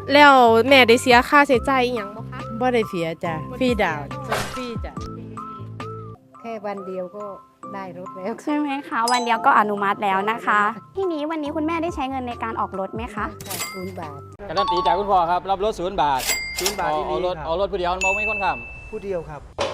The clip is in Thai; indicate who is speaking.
Speaker 1: แล้วแม่ได้เสียค่าใช้จ่ายอีหยังบ่คะ
Speaker 2: บ่ได้เสียจ้ะฟรีดาวน์ส่งฟรีจ้ะ
Speaker 3: แค่วันเดียวก็ได้รถแล้ว
Speaker 4: ใช่ไหมคะวันเดียวก็อนุมัติแล้วนะคะ ทีนี้วันนี้คุณแม่ได้ใช้เงินในการออกรถไหมคะ
Speaker 3: 0 บาท
Speaker 5: การันตีจากคุณพ่อครับรับรถ0 บาท
Speaker 6: 0 บาท
Speaker 5: เอารถผู้เดียวมองไม่คนขับ
Speaker 6: ผู้เดียวครับ